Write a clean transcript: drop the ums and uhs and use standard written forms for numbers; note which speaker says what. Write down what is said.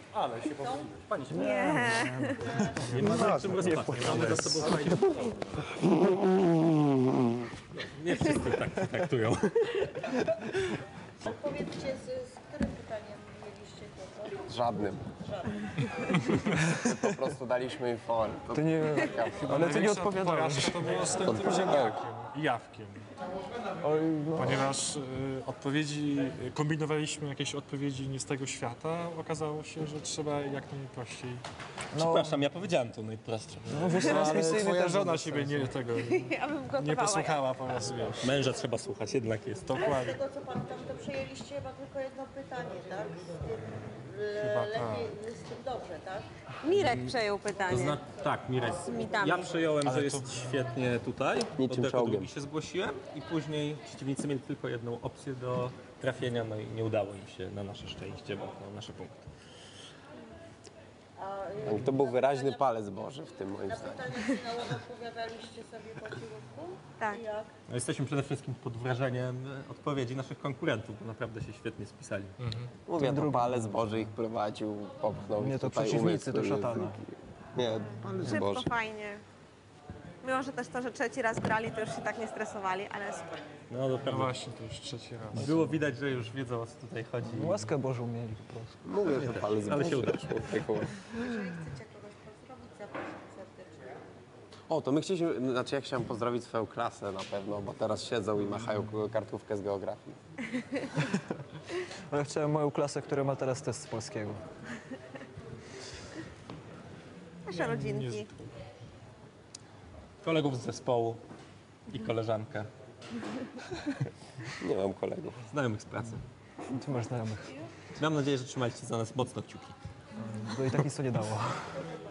Speaker 1: Ale się pomyliłeś. Pani się
Speaker 2: Nie.
Speaker 3: Nie ma za czym rozpatrzeć. Mamy za sobą fajnie. Nie wszyscy tak traktują.
Speaker 4: Powiedzcie, z którym pytaniem mieliście kłopot?
Speaker 5: Z żadnym. Po prostu daliśmy im for.
Speaker 6: To nie, ale ty nie odpowiadałeś.
Speaker 1: Porażka to było z tym ziemniakiem i jawkiem.
Speaker 6: Oj, no.
Speaker 1: Ponieważ kombinowaliśmy jakieś odpowiedzi nie z tego świata, okazało się, że trzeba jak najprościej.
Speaker 3: Przepraszam, ja powiedziałem to najprostsze.
Speaker 6: No wiesz, transmisyjny
Speaker 1: Twoja
Speaker 6: też
Speaker 1: żona
Speaker 6: bez
Speaker 1: siebie
Speaker 6: sensu.
Speaker 2: Ja bym gotowała.
Speaker 1: nie posłuchała po raz, wiesz.
Speaker 3: Męża trzeba słuchać, jednak jest.
Speaker 4: Z
Speaker 1: Dokładnie.
Speaker 4: tego co pamiętam, to przejęliście chyba tylko jedno pytanie, tak?
Speaker 1: Chyba
Speaker 4: Lepiej z tym dobrze, tak?
Speaker 2: Mirek przejął pytanie.
Speaker 3: Tak, Mirek.
Speaker 2: mitami.
Speaker 3: Ja przyjąłem, że jest świetnie tutaj.
Speaker 5: Niczym
Speaker 3: Od jako
Speaker 5: czołgiem.
Speaker 3: drugi się zgłosiłem i później przeciwnicy mieli tylko jedną opcję do trafienia, no i nie udało im się na nasze szczęście, bo na nasze punkty.
Speaker 5: Tak, to był wyraźny palec Boży w tym moim
Speaker 4: Na
Speaker 5: zdaniem.
Speaker 4: pytania finałowe odpowiadaliście sobie po cichutku?
Speaker 2: Tak.
Speaker 4: I jak?
Speaker 3: No, jesteśmy przede wszystkim pod wrażeniem odpowiedzi naszych konkurentów, bo naprawdę się świetnie spisali.
Speaker 5: Mówię, to palec Boży ich prowadził, popchnął
Speaker 6: Nie,
Speaker 5: ich
Speaker 6: to
Speaker 5: tutaj
Speaker 6: przeciwnicy,
Speaker 5: umysł,
Speaker 6: to szatana.
Speaker 5: Nie, palec
Speaker 2: Szybko,
Speaker 5: Boży.
Speaker 2: fajnie. Mimo, że też to, że trzeci raz grali, to już się tak nie stresowali, ale super.
Speaker 3: No
Speaker 1: No
Speaker 3: naprawdę.
Speaker 1: właśnie, to już trzeci raz.
Speaker 3: Było widać, że już wiedzą, o co tutaj chodzi.
Speaker 6: Łaskę Bożą mieli po prostu.
Speaker 5: Mówię, że palec
Speaker 3: Ale się
Speaker 5: Boży.
Speaker 3: uda.
Speaker 5: Człowieku.
Speaker 4: Jeżeli chcecie kogoś pozdrowić, zapraszam serdecznie.
Speaker 5: O, to my chcieliśmy, znaczy ja chciałem pozdrowić swoją klasę na pewno, bo teraz siedzą i machają kartówkę z geografii.
Speaker 6: Ale chciałem moją klasę, która ma teraz test z polskiego.
Speaker 2: Nasze rodzinki.
Speaker 3: Kolegów z zespołu i koleżankę.
Speaker 5: Nie mam kolegów.
Speaker 3: Znajomych z pracy.
Speaker 6: Ty masz znajomych.
Speaker 3: Mam nadzieję, że trzymaliście za nas mocno kciuki.
Speaker 6: Bo i tak nic to nie dało.